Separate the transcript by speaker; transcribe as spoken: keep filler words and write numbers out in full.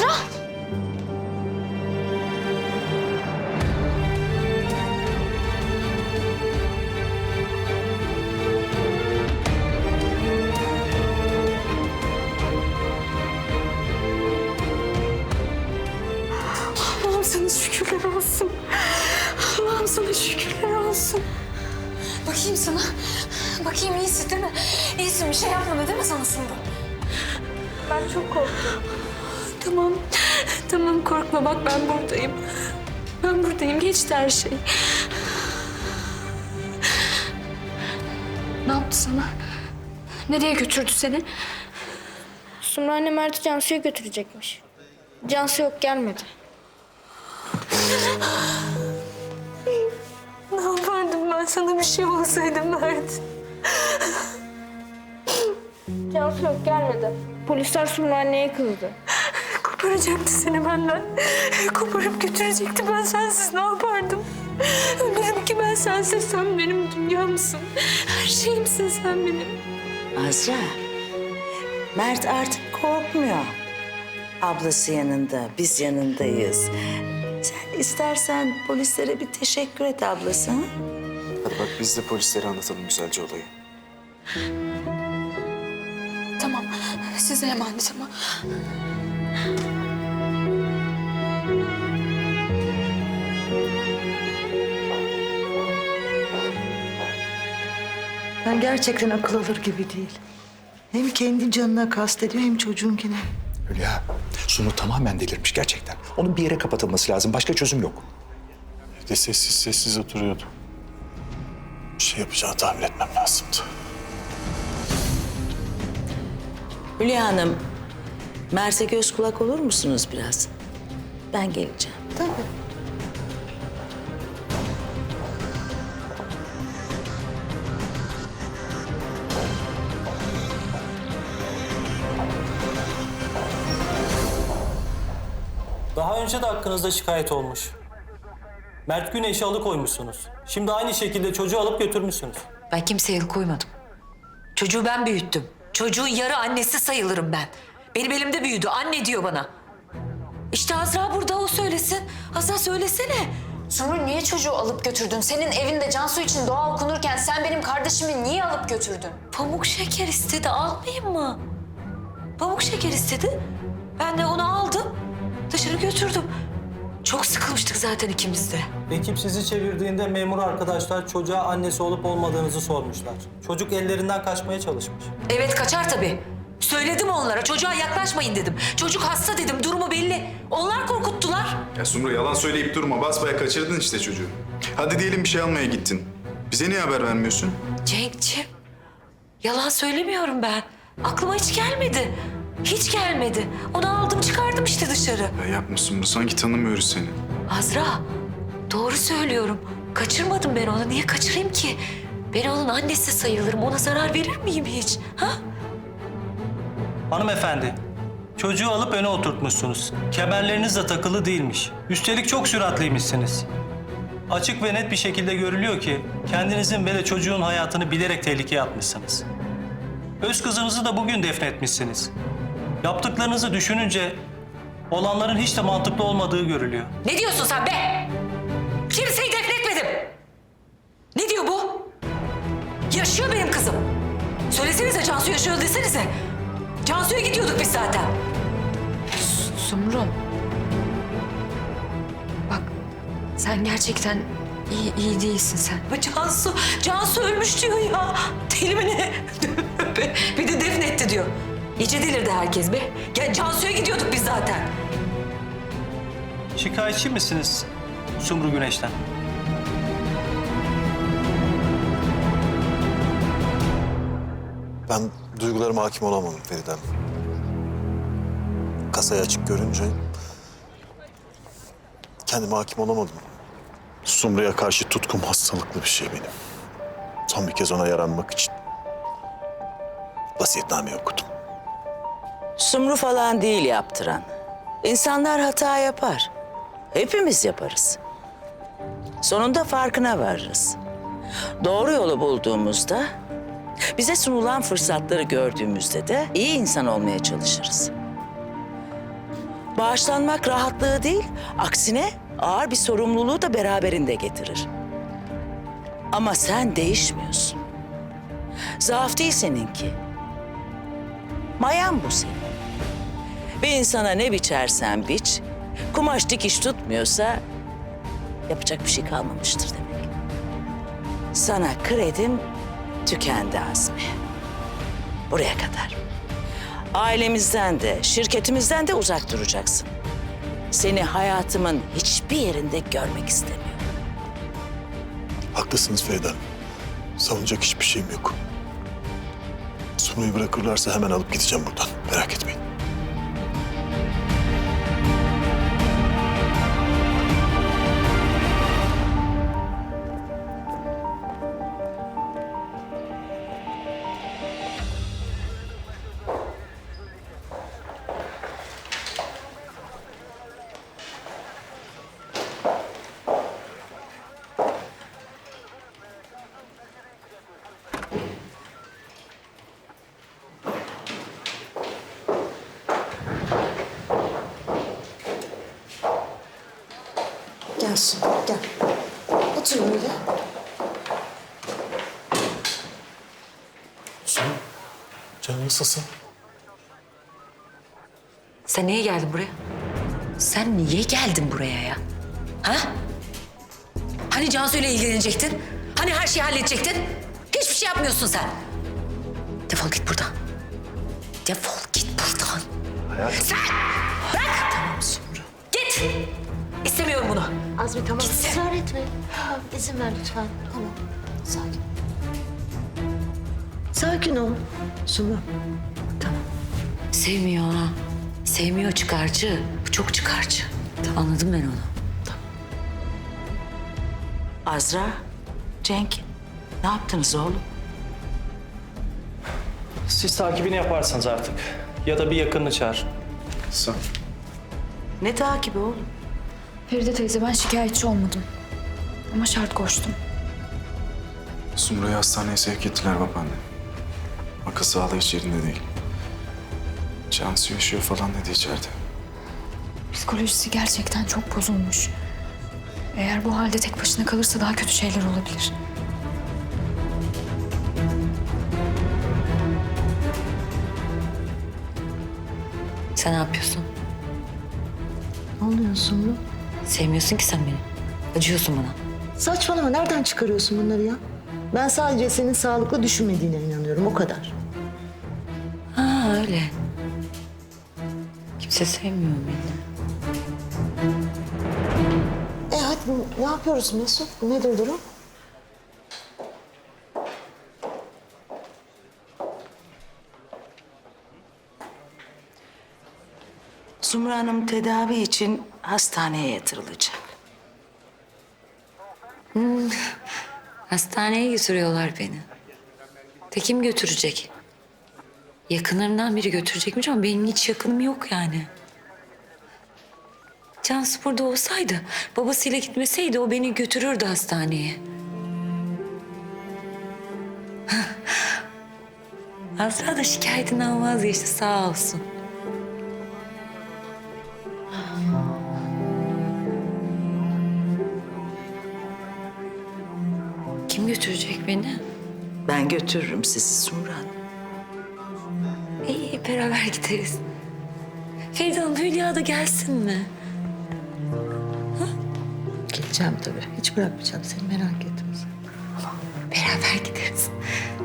Speaker 1: Azra!
Speaker 2: Allah'ım sana şükürler olsun. Allah'ım sana şükürler olsun.
Speaker 1: Bakayım sana. Bakayım iyisin değil mi? İyisin, bir şey yapmadı değil mi sana Sumru?
Speaker 2: Ben çok korktum. Tamam, tamam korkma bak ben buradayım. Ben buradayım, geçti her şey. Ne yaptı sana? Nereye götürdü seni?
Speaker 3: Sumru anne Mert'i Cansu'ya götürecekmiş. Cansu yok, gelmedi.
Speaker 2: Ne yapardım ben sana bir şey olsaydı Mert?
Speaker 3: Cansu yok, gelmedi. Polisler Sumru anneye kızdı.
Speaker 2: Koparacaktı seni benden. Koparıp götürecekti. Ben sensiz ne yapardım? Ölürüm ki ben sensiz. Sen benim dünyamsın. Her şeyimsin sen benim.
Speaker 4: Azra, Mert artık korkmuyor. Ablası yanında, biz yanındayız. Sen istersen polislere bir teşekkür et ablası. Ha?
Speaker 5: Hadi bak biz de polislere anlatalım güzelce olayı.
Speaker 1: Tamam, size emanet ama.
Speaker 6: Ben gerçekten akıl alır gibi değil. Hem kendi canına kastediyor hem çocuğunkine.
Speaker 7: Hülya, Sunu tamamen delirmiş gerçekten. Onun bir yere kapatılması lazım. Başka çözüm yok.
Speaker 5: Bir de sessiz sessiz oturuyordu. Bir şey yapacağını tahmin etmem lazımdı.
Speaker 4: Hülya Hanım, Mert'e göz kulak olur musunuz biraz? Ben geleceğim.
Speaker 6: Tabii.
Speaker 8: Daha önce de hakkınızda şikayet olmuş. Mert Güneş'i alıkoymuşsunuz. Şimdi aynı şekilde çocuğu alıp götürmüşsünüz.
Speaker 9: Ben kimseye el koymadım. Çocuğu ben büyüttüm. Çocuğun yarı annesi sayılırım ben. Benim elimde büyüdü. Anne diyor bana. İşte Azra burada, o söylesin. Azra söylesene.
Speaker 1: Sumru niye çocuğu alıp götürdün? Senin evinde Cansu için dua okunurken sen benim kardeşimi niye alıp götürdün?
Speaker 9: Pamuk şeker istedi. Almayayım mı? Pamuk şeker istedi. Ben de onu aldım. Dışarı götürdüm. Çok sıkılmıştık zaten ikimiz de.
Speaker 8: Ekip sizi çevirdiğinde memur arkadaşlar çocuğa annesi olup olmadığınızı sormuşlar. Çocuk ellerinden kaçmaya çalışmış.
Speaker 9: Evet, kaçar tabii. Söyledim onlara, çocuğa yaklaşmayın dedim. Çocuk hasta dedim, durumu belli. Onlar korkuttular.
Speaker 10: Ya Sumru yalan söyleyip durma. Basbaya kaçırdın işte çocuğu. Hadi diyelim bir şey almaya gittin. Bize niye haber vermiyorsun?
Speaker 9: Cenk'ciğim, yalan söylemiyorum ben. Aklıma hiç gelmedi. Hiç gelmedi. Onu aldım çıkardım işte dışarı.
Speaker 10: Ya yapma Sumru. Sanki tanımıyoruz seni.
Speaker 9: Azra, doğru söylüyorum. Kaçırmadım ben onu. Niye kaçırayım ki? Ben onun annesi sayılırım. Ona zarar verir miyim hiç? Ha?
Speaker 8: Hanımefendi, çocuğu alıp öne oturtmuşsunuz. Kemerleriniz de takılı değilmiş. Üstelik çok süratliymişsiniz. Açık ve net bir şekilde görülüyor ki kendinizin ve de çocuğun hayatını bilerek tehlikeye atmışsınız. Öz kızınızı da bugün defnetmişsiniz. Yaptıklarınızı düşününce olanların hiç de mantıklı olmadığı görülüyor.
Speaker 9: Ne diyorsun sen be? Kimseyi defnetmedim. Ne diyor bu? Yaşıyor benim kızım. Söylesenize Cansu yaşıyor desenize. Cansu'ya gidiyorduk biz zaten.
Speaker 1: Sumru. Bak, sen gerçekten iyi, iyi değilsin sen.
Speaker 9: Ama Cansu, Cansu ölmüş diyor ya. Deli mi ne? Bir de defnetti diyor. İyice delirdi herkes be. Ya Cansu'ya gidiyorduk biz zaten.
Speaker 8: Şikayetçi misiniz Sumru Güneş'ten?
Speaker 5: Ben duygularıma hakim olamadım Feridem. Kasayı açık görünce kendime hakim olamadım. Sumru'ya karşı tutkum hastalıklı bir şey benim. Son bir kez ona yaranmak için vasiyetname okudum.
Speaker 4: Sumru falan değil yaptıran. İnsanlar hata yapar. Hepimiz yaparız. Sonunda farkına varırız. Doğru yolu bulduğumuzda, bize sunulan fırsatları gördüğümüzde de iyi insan olmaya çalışırız. Bağışlanmak rahatlığı değil, aksine ağır bir sorumluluğu da beraberinde getirir. Ama sen değişmiyorsun. Zaaf değil seninki. Mayan bu senin. Bir insana ne biçersen biç, kumaş dikiş tutmuyorsa yapacak bir şey kalmamıştır demek. Sana kredim tükendi Azmi. Buraya kadar. Ailemizden de, şirketimizden de uzak duracaksın. Seni hayatımın hiçbir yerinde görmek istemiyorum.
Speaker 5: Haklısınız Feride Hanım. Savunacak hiçbir şeyim yok. Sumru'yu bırakırlarsa hemen alıp gideceğim buradan. Merak etmeyin.
Speaker 6: Gel Sumru, gel. Otur böyle.
Speaker 5: Sumru, canın nasılsın?
Speaker 9: Sen niye geldin buraya? Sen niye geldin buraya ya? Ha? Hani Cansu ile ilgilenecektin? Hani her şeyi halledecektin? Hiçbir şey yapmıyorsun sen. Defol git buradan. Defol git buradan.
Speaker 5: Hayatım.
Speaker 9: Sen! Bırak! Tamam Sumru. Git! İstemiyorum bunu.
Speaker 2: Azmi tamam.
Speaker 9: Gitsin.
Speaker 2: Israr etme. Tamam, izin ver lütfen. Tamam. Sakin.
Speaker 6: Sakin ol Sumru.
Speaker 9: Sevmiyor ha. Sevmiyor, çıkarcı. Bu çok çıkarcı. Anladım ben onu.
Speaker 4: Azra, Cenk, ne yaptınız oğlum?
Speaker 8: Siz takibini yaparsınız artık. Ya da bir yakınını çağır.
Speaker 10: Sağ ol.
Speaker 4: Ne takibi oğlum?
Speaker 1: Feride teyze ben şikayetçi olmadım. Ama şart koştum.
Speaker 10: Sumru'yu hastaneye sevk ettiler babaanne. Akıl sağlığı hiç yerinde değil. Cansu yaşıyor falan dedi içeride.
Speaker 1: Psikolojisi gerçekten çok bozulmuş. Eğer bu halde tek başına kalırsa daha kötü şeyler olabilir.
Speaker 9: Sen ne yapıyorsun?
Speaker 6: Ne oluyor Sumru?
Speaker 9: Sevmiyorsun ki sen beni. Acıyorsun bana.
Speaker 6: Saçmalama, nereden çıkarıyorsun bunları ya? Ben sadece senin sağlıklı düşünmediğine inanıyorum, o kadar.
Speaker 9: Ha öyle. Kimse sevmiyor beni.
Speaker 6: E hadi ne yapıyoruz Mesut? Nedir durum?
Speaker 4: Sumru Hanım tedavi için hastaneye yatırılacak.
Speaker 9: Hastaneye götürüyorlar beni. De kim götürecek? Yakınlarından biri götürecekmiş ama benim hiç yakınım yok yani. Cansu burada olsaydı, babasıyla gitmeseydi o beni götürürdü hastaneye. Azra da şikayetinden vazgeçti sağ olsun. Kim götürecek beni?
Speaker 4: Ben götürürüm sizi Sumru Hanım.
Speaker 9: İyi beraber gideriz. Feride Hanım Hülya da gelsin mi?
Speaker 6: Geleceğim tabii. Hiç bırakmayacağım seni, merak etme sen.
Speaker 9: Beraber gideriz.